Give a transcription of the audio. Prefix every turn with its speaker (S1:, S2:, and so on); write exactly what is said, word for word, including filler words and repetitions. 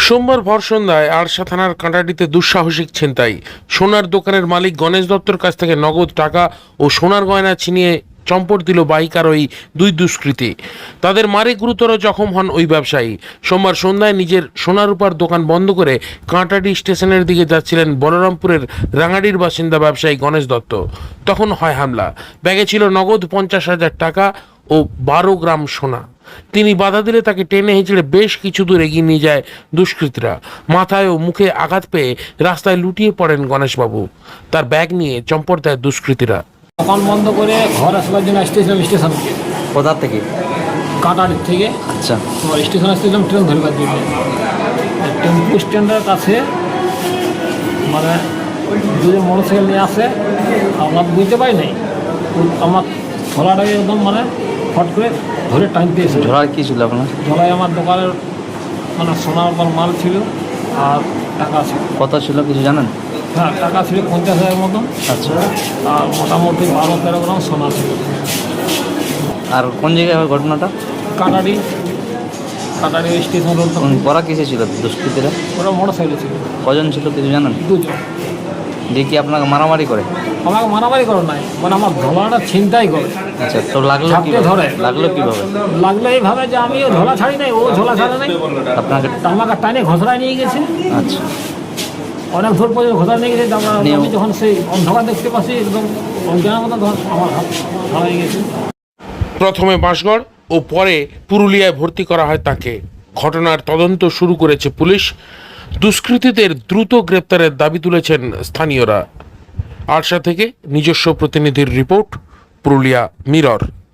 S1: সোমবার ভর সন্ধ্যায় আরশা থানার কাঁটাডিতে দুঃসাহসিক ছিনতাই। সোনার দোকানের মালিক গণেশ দত্তর কাছ থেকে নগদ টাকা ও সোনার গয়না ছিনিয়ে চম্পট দিল বাইকার ওই দুই দুষ্কৃতী। তাদের মারে গুরুতর জখম হন ওই ব্যবসায়ী। সোমবার সন্ধ্যায় নিজের সোনারূপার দোকান বন্ধ করে কাঁটাডি স্টেশনের দিকে যাচ্ছিলেন বলরামপুরের রাঙাডির বাসিন্দা ব্যবসায়ী গণেশ দত্ত। তখন হয় হামলা। ব্যাগে ছিল নগদ পঞ্চাশ হাজার টাকা ও বারো গ্রাম সোনা। তিনি বাধা দিলে তাকে টেনে হেঁচড়ে বেশ কিছু দূর এগিয়ে নিয়ে যায় দুষ্কৃতীরা। মাথায় ও মুখে আঘাত পেয়ে রাস্তায় লুটিয়ে পড়েন গণেশবাবু। তার ব্যাগ নিয়ে চম্পট দেয় দুষ্কৃতীরা।
S2: দোকান বন্ধ করে ঘর আসবার জন্য আসতেছিলাম স্টেশন
S3: কোথা থেকে?
S2: কাঁটাডির থেকে।
S3: আচ্ছা,
S2: তোমার স্টেশন আসতেছিলাম ট্রেন ধরবার জন্য। টেম্পু স্ট্যান্ডের কাছে মানে দুজন মোটরসাইকেল নিয়ে আসে, আমার বুঝতে পারি নাই, আমার ছোলাটাকে একদম মানে ফট করে ধরে টানতে এসে।
S3: ঝোলার কি ছিল আপনার?
S2: ঝোলায় আমার দোকানের মানে সোনার উপর মাল ছিল আর টাকা ছিল।
S3: কত ছিল কিছু জানেন?
S2: হ্যাঁ, টাকা ছিল পঞ্চাশ হাজার মতন।
S3: আচ্ছা,
S2: আর মোটামুটি বারো তেরো গ্রাম সোনা ছিল।
S3: আর কোন জায়গায় হয় ঘটনাটা?
S2: Kantadi Kantadi station road.
S3: ওরা কিসে ছিল দুষ্কৃতীরা?
S2: ওরা মোটর সাইকেল ছিল।
S3: কজন ছিল কিছু জানেন?
S2: দুজন।
S3: দিয়ে কি আপনাকে মারামারি করে?
S2: আমাকে মারামারি করে নাই, মানে আমার ঝোলাটা ছিনতাই করে।
S3: আচ্ছা, তো লাগলো
S2: ঝাপটে
S3: কিভাবে?
S2: ধরে।
S3: লাগলো কিভাবে?
S2: লাগলো এইভাবে যে আমি ও ঝোলা ছাড়ি নাই, ও ঝোলা ছাড়ে নাই,
S3: আপনাকে?
S2: আমাকে টানে ঘোষড়ায় নিয়ে গেছে।
S3: আচ্ছা,
S2: অনেক দূর পর্যন্ত ঘোষড়া নিয়ে গেছে। আমরা
S3: নিয়ে-
S2: আমি যখন সেই অন্ধকার দেখতে পাচ্ছি একদম অজ্ঞানের মতো, তখন আমার হাত হারাই গেছে।
S1: প্রথমে বাঁশগড় ও পরে পুরুলিয়ায় ভর্তি করা হয় তাকে। ঘটনার তদন্ত শুরু করেছে পুলিশ। দুষ্কৃতীদের দ্রুত গ্রেপ্তারের দাবি তুলেছেন স্থানীয়রা। আরশা থেকে নিজস্ব প্রতিনিধির রিপোর্ট, পুরুলিয়া মিরর।